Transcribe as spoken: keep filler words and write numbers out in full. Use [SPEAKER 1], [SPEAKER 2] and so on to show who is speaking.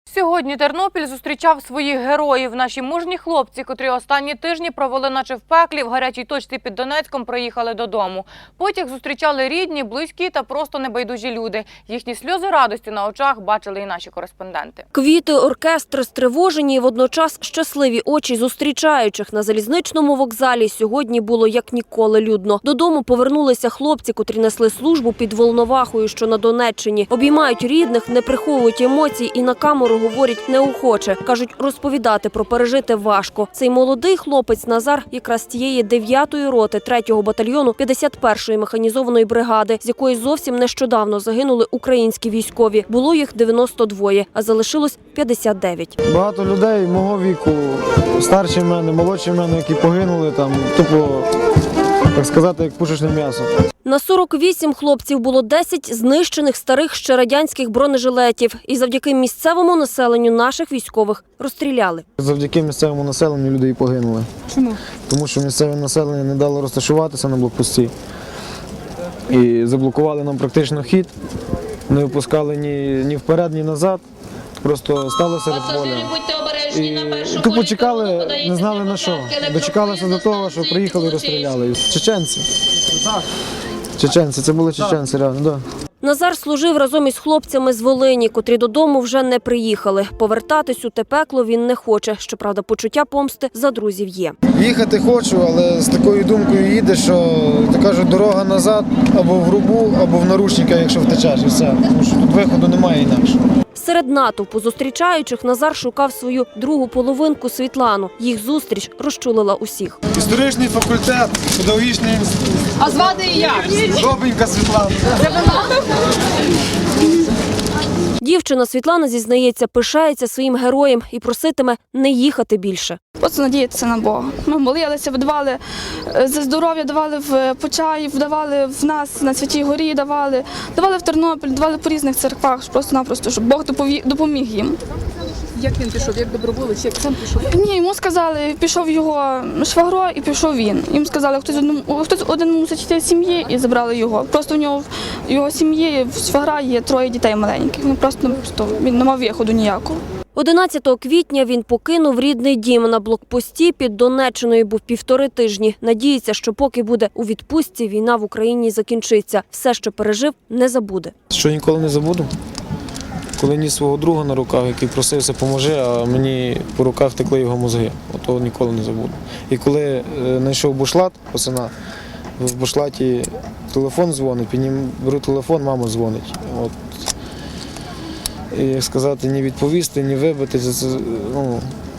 [SPEAKER 1] Сьогодні Тернопіль зустрічав своїх героїв. Наші мужні хлопці, котрі останні тижні провели наче в пеклі, в гарячій точці під Донецьком, приїхали додому. Потяг зустрічали рідні, близькі та просто небайдужі люди. Їхні сльози радості на очах бачили і наші кореспонденти.
[SPEAKER 2] Квіти, оркестр, стривожені і водночас щасливі очі зустрічаючих на залізничному вокзалі сьогодні було як ніколи людно. Додому повернулися хлопці, котрі несли службу під Волновахою, що на Донеччині. Обіймають рідних, не приховують емоцій і на камеру говорять неохоче. Кажуть, розповідати про пережите важко. Цей молодий хлопець Назар якраз з тієї дев'ятої роти третього батальйону п'ятдесят першої механізованої бригади, з якої зовсім нещодавно загинули українські військові. Було їх дев'яносто двоє, а залишилось п'ятдесят дев'ять.
[SPEAKER 3] Багато людей мого віку, старші мене, молодші мене, які погинули там, тупо, так сказати, як пушечне м'ясо.
[SPEAKER 2] На сорок вісім хлопців було десять знищених старих ще радянських бронежилетів. І завдяки місцевому населенню наших військових розстріляли.
[SPEAKER 3] Завдяки місцевому населенню люди і погинули.
[SPEAKER 2] Чому?
[SPEAKER 3] Тому що місцеве населення не дало розташуватися на блокпості. І заблокували нам практично хід. Не випускали ні, ні вперед, ні назад. Просто стали серед поля. І тупо чекали, не знали на що. Дочекалися до того, що приїхали і розстріляли. Чеченці. Чеченці, це були чеченці, реально, так. Да.
[SPEAKER 2] Назар служив разом із хлопцями з Волині, котрі додому вже не приїхали. Повертатись у те пекло він не хоче. Щоправда, почуття помсти за друзів є.
[SPEAKER 3] Їхати хочу, але з такою думкою їдеш, що, так кажуть, дорога назад або в грубу, або в наручника, якщо втечеш, і все. Тому що тут виходу немає інакше.
[SPEAKER 2] Серед натовпу зустрічаючих Назар шукав свою другу половинку Світлану. Їх зустріч розчулила усіх.
[SPEAKER 3] Історичний факультет, педагогічний інститут.
[SPEAKER 4] А звати як?
[SPEAKER 3] Добренька Світлана.
[SPEAKER 2] Дівчина Світлана, зізнається, пишається своїм героєм і проситиме не їхати більше.
[SPEAKER 4] Просто надіятися на Бога. Ми молилися, давали за здоров'я, давали в Почаїв, давали в нас на Святій Горі, давали, давали в Тернопіль, давали по різних церквах, просто-напросто, щоб Бог допоміг їм.
[SPEAKER 5] Як він пішов, як доброволець, як сам пішов?
[SPEAKER 4] Ні, йому сказали, пішов його швагро і пішов він. Їм сказали, хтось один, хтось один мусить йти з сім'ї і забрали його. Просто в нього в його сім'ї, в швагра є троє дітей маленьких. Він просто, просто він не мав виходу ніякого.
[SPEAKER 2] одинадцятого квітня він покинув рідний дім. На блокпості під Донеччиною був півтори тижні. Надіється, що поки буде у відпустці, війна в Україні закінчиться. Все, що пережив, не забуде.
[SPEAKER 3] Що ніколи не забуду? Коли ніс свого друга на руках, який просився, поможи, а мені по руках текли його мозги. Ото ніколи не забуду. І коли знайшов бушлат, пацана, в бушлаті телефон дзвонить, піднім, беру телефон, мама дзвонить. От. І, як сказати, ні відповісти, ні вибити, це, ну,